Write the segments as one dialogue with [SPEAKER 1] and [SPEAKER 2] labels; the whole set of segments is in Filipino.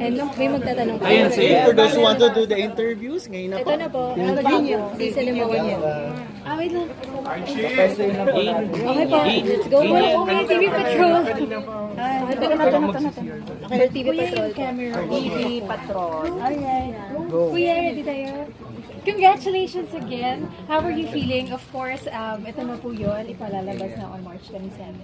[SPEAKER 1] And may magtatanong pa.
[SPEAKER 2] Ayan, si
[SPEAKER 3] For those who want to do the interviews, ngayon na po.
[SPEAKER 1] Ito na po. Si Cinema One. Ah, wait lang. Okay po, let's go. Oh, may TV Patrol. For TV Patrol.
[SPEAKER 4] TV Patrol.
[SPEAKER 1] Alright. Kuya, ready tayo? Congratulations again. How are you feeling? Of course, ito na po yun. Ipalalabas na on March 27.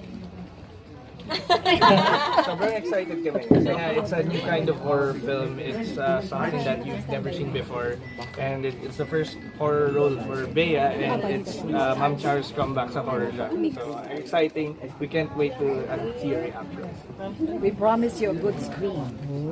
[SPEAKER 2] Sobrang excited kami kasi nga it's a new kind of horror film. It's something that you've never seen before, and it's the first horror role for Bea, and it's Ma'am Char's comeback sa horror genre. So exciting. We can't wait to see your reaction.
[SPEAKER 4] We promise you a good screen.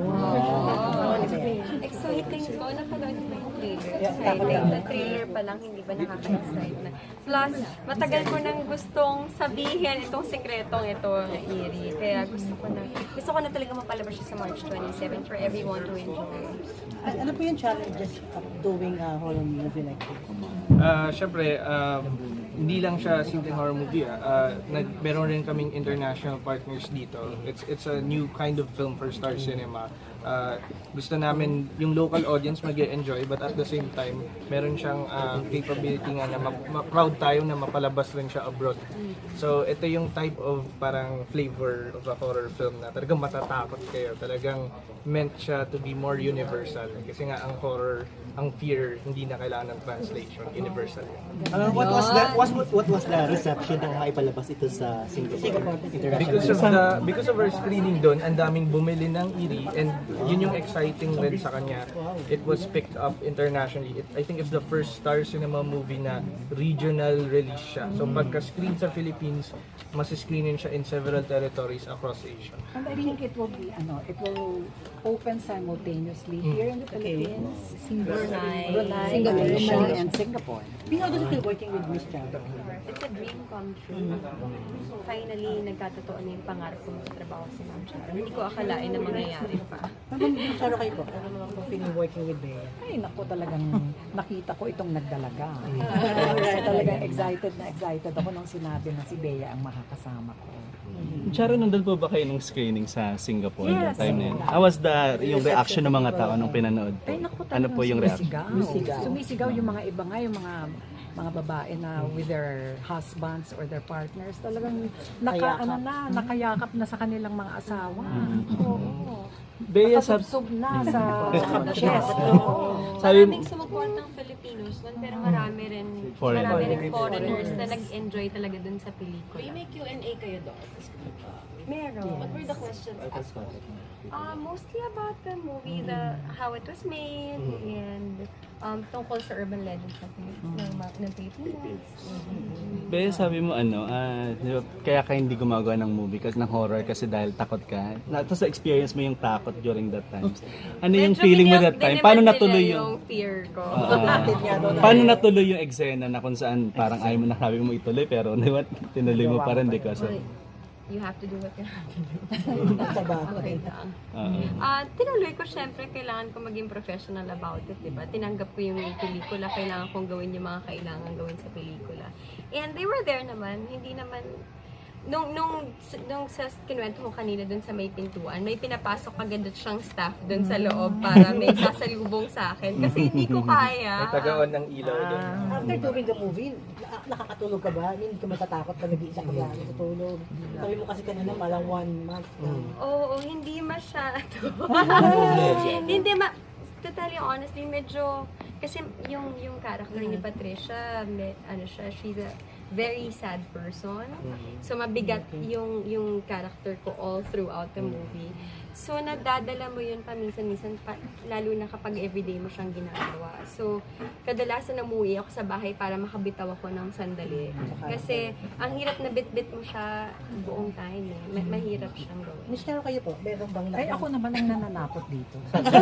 [SPEAKER 5] Exciting po. Napanood mo yung trailer. Exciting. The trailer pa lang, hindi ba nakaka-excite na. Plus, matagal ko nang gustong sabihin itong sekretong ito na Eerie. Kaya gusto ko na talaga mapalabas siya sa March 27 for everyone to enjoy.
[SPEAKER 6] Ano po yung challenges of doing a horror movie like this?
[SPEAKER 2] Siyempre, hindi lang siya simpleng horror movie. Meron rin kaming international partners dito. It's a new kind of film for Star Cinema. Gusto namin yung local audience mag-enjoy, but at the same time, meron siyang capability nga na proud tayo na mapalabas rin siya abroad. So ito yung type of parang flavor of a horror film na talagang matatakot kayo. Talagang meant siya to be more universal. Kasi nga ang horror, ang fear, hindi na kailangan ng translation. Universal yan.
[SPEAKER 3] What was the reception ng maipalabas ito sa Singapore International?
[SPEAKER 2] Because of our screening doon, ang daming bumili ng Eerie, and yun yung exciting rin sa kanya. It was picked up internationally. I think it's the first Star Cinema movie na regional release siya. So pagka-screen sa Philippines, mas-screenin siya in several territories across Asia.
[SPEAKER 4] And I think it will be, it will open simultaneously here in the Philippines, Brunei, Malaysia, and Singapore.
[SPEAKER 6] How does it feel working with Miss Chang?
[SPEAKER 5] It's a dream come true. Finally, nagkatotoo na yung pangarap ko magtrabaho si Ma'am Chara. Hindi ko akalain na mangyayari pa.
[SPEAKER 6] Saro kayo po? Ano naman po feeling working with Bea?
[SPEAKER 4] Ay, naku, talagang nakita ko itong nagdalaga. Kaya talagang excited ako nung sinabi na si Bea ang makakasama ko.
[SPEAKER 7] Charo, nandun po ba kayo nung screening sa Singapore yung
[SPEAKER 4] Yes.
[SPEAKER 7] time na yun? How was yung reaction ng mga tao nung pinanood po?
[SPEAKER 4] Ay, naku,
[SPEAKER 7] Ano po yung reaction?
[SPEAKER 4] Sumisigaw yung mga iba nga, yung mga babae na with their husbands or their partners, talagang nakayakap na sa kanilang mga asawa. Oo.
[SPEAKER 7] Bea,
[SPEAKER 4] Nakasubsob na sa chest.
[SPEAKER 7] Sabi
[SPEAKER 5] Maraming sumupport ng Filipinos doon, pero marami rin foreigners na nag-enjoy talaga doon sa pelikula.
[SPEAKER 8] May Q&A kayo doon?
[SPEAKER 5] Meron.
[SPEAKER 8] What were the questions asked?
[SPEAKER 5] Mostly about the movie, how it was made, and tungkol sa urban legends ng Pilipinas.
[SPEAKER 7] Bea, sabi mo di ba, kaya ka hindi gumagawa ng movie kasi ng horror kasi dahil takot ka. Tapos experience mo yung takot during that time. Ano yung
[SPEAKER 5] Medyo
[SPEAKER 7] feeling mo that time? Paano
[SPEAKER 5] dinemand
[SPEAKER 7] natuloy
[SPEAKER 5] nila
[SPEAKER 7] yung
[SPEAKER 5] fear ko?
[SPEAKER 7] paano natuloy yung eksena na kung saan parang ayaw mo na sabi mo ituloy pero di ba, tinuloy mo pa rin because of
[SPEAKER 5] You have to do what you have to do.
[SPEAKER 6] Trabaho.
[SPEAKER 5] Okay lang. Tinuloy ko, syempre, kailangan ko maging professional about it, diba? Tinanggap ko yung pelikula, kailangan kong gawin yung mga kailangan gawin sa pelikula. And they were there naman, hindi naman, nung sa kinuwento ko kanina dun sa may pintuan, may pinapasok agad siyang staff dun sa loob para may sasalubong sa akin. Kasi hindi ko kaya.
[SPEAKER 2] May tagaon ng ilaw doon.
[SPEAKER 6] After doing the movie, nakakatulog ka ba? Hindi ka matatakot pag nag-iisa ka ba? Natutulog. Sabi mo kasi kanina, malang 1 month na.
[SPEAKER 5] Oo, hindi masyado. To tell you honestly, medyo, kasi yung character ni Patricia, she's a very sad person. So mabigat yung character ko all throughout the movie. So nadadala mo yun paminsan-minsan, lalo na kapag everyday mo siyang ginagawa. So kadalasan umuwi ako sa bahay para makabitaw ako ng sandali. Kasi ang hirap na bit-bit mo siya buong time. Mahirap siyang gawin.
[SPEAKER 6] Miss Charo kayo po, meron bang
[SPEAKER 4] Ay, ako naman ang nananakot dito.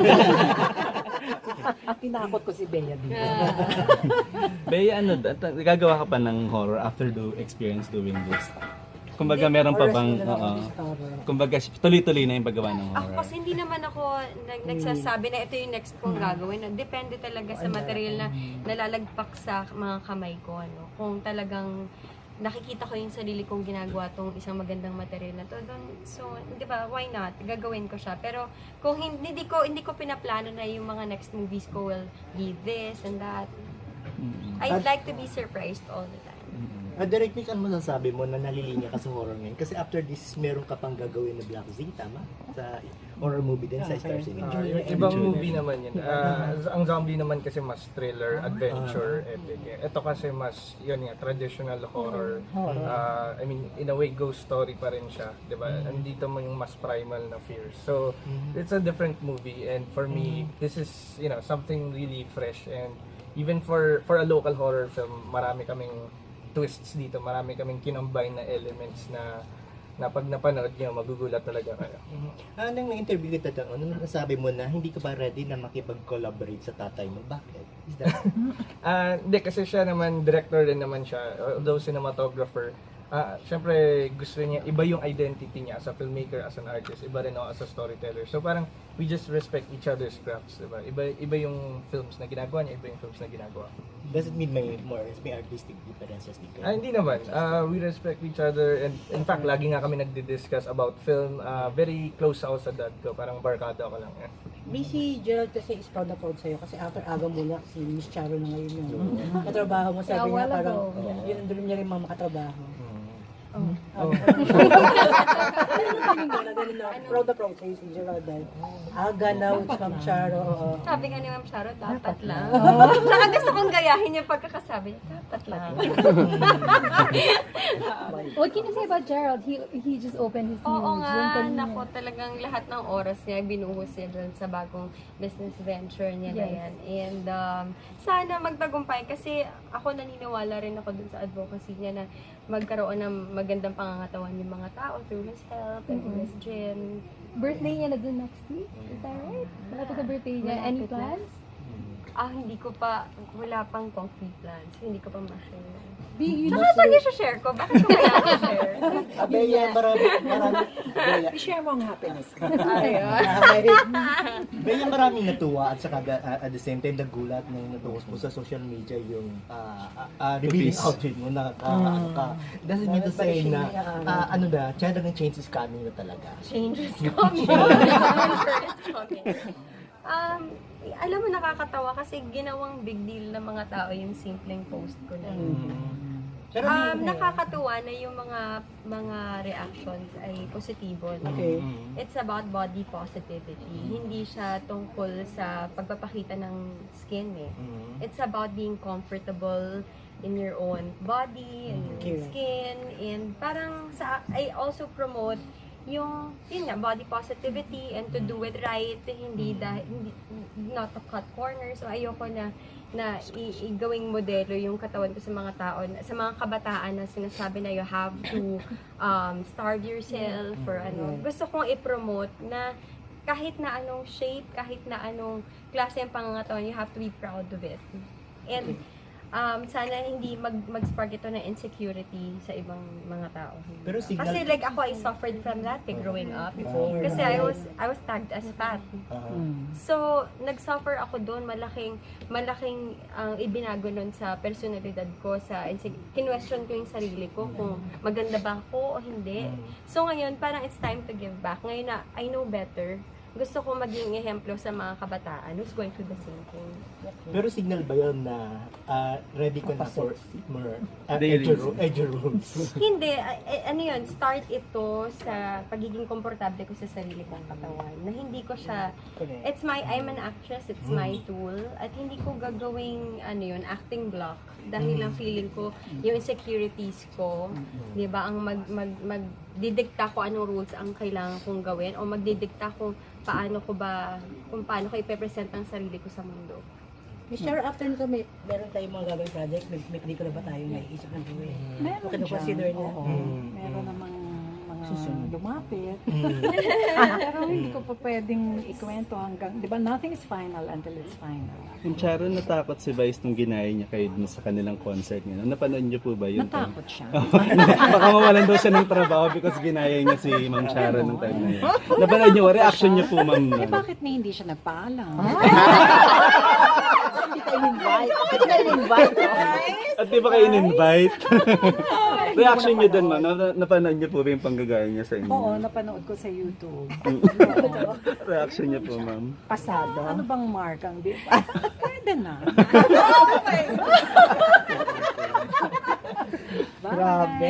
[SPEAKER 4] At tinakot ko si Bea dito.
[SPEAKER 7] Bea, gagawa ka pa ng horror after the experience doing this? Kumbaga meron pa bang, kumbaga tuloy-tuloy na yung paggawa ng
[SPEAKER 5] Ako
[SPEAKER 7] horror?
[SPEAKER 5] kasi hindi naman ako nagsasabi na ito yung next kong gagawin. Depende talaga sa material na nalalagpak sa mga kamay ko. Kung talagang nakikita ko yung sarili kong ginagawa tong isang magandang material na to. So, di ba, why not? Gagawin ko siya. Pero kung hindi ko pinaplano na yung mga next movies ko will be this and that. I'd like to be surprised all the time.
[SPEAKER 3] Direct Nick, ano masasabi mo na nalilinya ka sa horror ngayon? Kasi after this, meron ka pang gagawin na Black Z, tama? Sa horror movie din sa Star Cinema.
[SPEAKER 2] Yung ibang movie naman yun. Ang zombie naman kasi mas thriller, adventure, epic. Ito kasi mas, yun nga, traditional horror. I mean, in a way, ghost story pa rin siya. Diba? Andito mo yung mas primal na fear. So, it's a different movie. And for me, this is, you know, something really fresh. And even for a local horror film, marami kaming twists dito. Marami kaming kinombine na elements na pag napanood nyo, magugulat talaga kayo.
[SPEAKER 3] Nang na-interview kita doon, ano nasabi mo na hindi ka ba ready na makipag-collaborate sa tatay mo? Bakit? Is that...
[SPEAKER 2] Hindi, kasi siya naman, director din naman siya, although cinematographer. Siyempre, gusto niya, iba yung identity niya as a filmmaker, as an artist, iba rin ako as a storyteller. So parang, we just respect each other's crafts, diba? Iba yung films na ginagawa niya, iba yung films na ginagawa ko.
[SPEAKER 3] Does it mean may artistic differences din kayo?
[SPEAKER 2] Hindi naman. We respect each other, and in fact, lagi nga kami nagdi-discuss about film. Very close ako sa dad ko, parang barkada ko lang.
[SPEAKER 6] Si Gerald kasi is proud na proud sa'yo kasi after aga mo na si Miss Charo na ngayon yung katrabaho mo. Sabi niya parang yun ang dream niya rin mga makatrabaho. Proud na proud sa'yo si Gerald dahil aga na with Ma'am Charo.
[SPEAKER 5] Sabi nga ni Ma'am Charo, dapat lang. Tsaka gusto kong gayahin yung pagkakasabi niya, dapat lang.
[SPEAKER 1] What can you say about Gerald? He just opened his new
[SPEAKER 5] Oo nga,
[SPEAKER 1] gym.
[SPEAKER 5] nako, talagang lahat ng oras niya, binuhos niya dun sa bagong business venture niya na yan. And sana magtagumpay kasi ako naniniwala rin ako dun sa advocacy niya na magkaroon ng magandang pangangatawan yung mga tao through his health and through his gym.
[SPEAKER 1] Birthday niya na dun next week. Is that right? Malapit na birthday niya. Any plans?
[SPEAKER 5] Hindi ko pa, wala pang concrete plans. Hindi ko pa ma-share.
[SPEAKER 6] Tsaka
[SPEAKER 5] Saan i-share ko? Bakit ko kaya i-share?
[SPEAKER 3] Abeya, marami.
[SPEAKER 4] I-share mo ang happiness.
[SPEAKER 3] Bea, maraming natuwa at saka at the same time nagulat nang natuwas mo sa social media yung revealing outfit mo na ano ka. Does it mean to say na ano na, China ng change is coming na talaga?
[SPEAKER 5] Change is coming. Change is coming. Alam mo, nakakatawa kasi ginawang big deal ng mga tao yung simpleng post ko na yun.
[SPEAKER 3] Pero
[SPEAKER 5] Nakakatuwa na yung mga reactions ay positibo.
[SPEAKER 6] Okay.
[SPEAKER 5] It's about body positivity. Hindi siya tungkol sa pagpapakita ng skin eh. It's about being comfortable in your own body and your own skin. And parang I also promote yung yun nga, body positivity and to do it right, hindi not to cut corners. So ayoko na gawing modelo yung katawan ko sa mga tao, sa mga kabataan na sinasabi na you have to starve yourself or ano. Gusto kong i-promote na kahit na anong shape, kahit na anong klase ng pangangatawan, you have to be proud of it. And sana hindi mag-spark ito ng insecurity sa ibang mga tao.
[SPEAKER 3] Pero
[SPEAKER 5] Kasi like ako, I suffered from that growing up. Kasi I was tagged as fat. So, nag-suffer ako doon. Malaking ibinago nun sa personalidad ko. Kinwestiyon ko yung sarili ko kung maganda ba ako o hindi. So, ngayon, parang it's time to give back. Ngayon na I know better, gusto ko maging ehemplo sa mga kabataan who's going through the same thing.
[SPEAKER 3] Pero signal ba yun na ready ka na for more edge rules?
[SPEAKER 5] Hindi, ano yun, start ito sa pagiging komportable ko sa sarili kong katawan. Na hindi ko siya, I'm an actress, it's my tool. At hindi ko gagawing, acting block. Dahil lang feeling ko, yung insecurities ko, di ba, ang magdidikta ko anong rules ang kailangan kong gawin o magdidikta kung paano ko ipepresent ang sarili ko sa mundo.
[SPEAKER 6] Miss Charo, after nito, meron tayong mga gagawin project, may pelikula ba tayo na iisip ng gawin?
[SPEAKER 4] Meron siya.
[SPEAKER 6] Consider niya.
[SPEAKER 4] Meron namang mga lumapit. Pero hindi ko pa pwedeng ikwento hanggang, di ba, nothing is final until it's final.
[SPEAKER 7] Yung Charo, natakot si Vice nung ginaya niya kayo dun sa kanilang concert niya. Napanood niyo po ba yun?
[SPEAKER 4] Natakot siya.
[SPEAKER 7] Baka mawalan daw siya ng trabaho because ginaya niya si Ma'am Charo nung time na yun. Napanood niyo, reaction niyo po, Ma'am.
[SPEAKER 4] Bakit hindi siya nagpaalam?
[SPEAKER 7] At di ba kayo in-invite? Reaction niyo din, ma'am. Napanood niyo po ba yung panggagaya niya sa inyo?
[SPEAKER 4] Oo, napanood ko sa YouTube.
[SPEAKER 7] Reaction niyo po, ma'am.
[SPEAKER 4] Pasado. Ano bang mark ang di ba? Pwede na.
[SPEAKER 3] Grabe.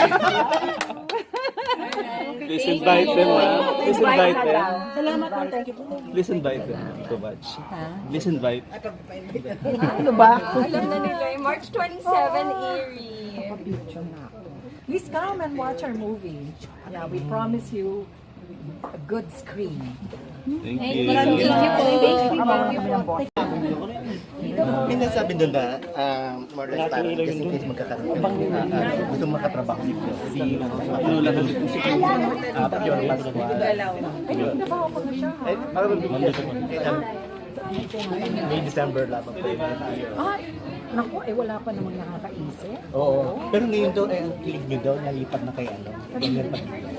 [SPEAKER 7] Please invite them, ma'am. Please invite them.
[SPEAKER 6] Salamat po, thank you po.
[SPEAKER 7] Please invite them to watch. Please invite.
[SPEAKER 4] Ano ba?
[SPEAKER 5] Alam na nila, March 27, Erie.
[SPEAKER 4] Please come and watch our movie. Yeah, we promise you a good screen.
[SPEAKER 7] Thank
[SPEAKER 1] Thank
[SPEAKER 7] you.
[SPEAKER 1] you. Thank you po.
[SPEAKER 3] May nasabi doon na more or less parang just in case magkakaroon ka gusto mo makatrabaho dito. Si Lola ng Pure Pascual. May December lamang po yun.
[SPEAKER 4] Ay, naku, wala pa namang nakakaisip.
[SPEAKER 3] Oo. Pero ngayon daw, ang kilig nyo daw, nalipat na kay ano. Ganyan pa dito.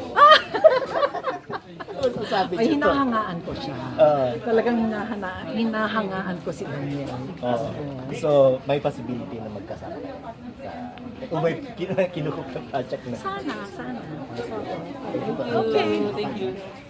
[SPEAKER 3] So, sabi
[SPEAKER 4] Ay,
[SPEAKER 3] niyo to.
[SPEAKER 4] hinahangaan ko siya. Talagang hinahangaan ko si Daniel.
[SPEAKER 3] Oo. So, may possibility na magkasama. Kung may kinukup na project na.
[SPEAKER 4] Sana.
[SPEAKER 3] Okay.
[SPEAKER 7] Thank you.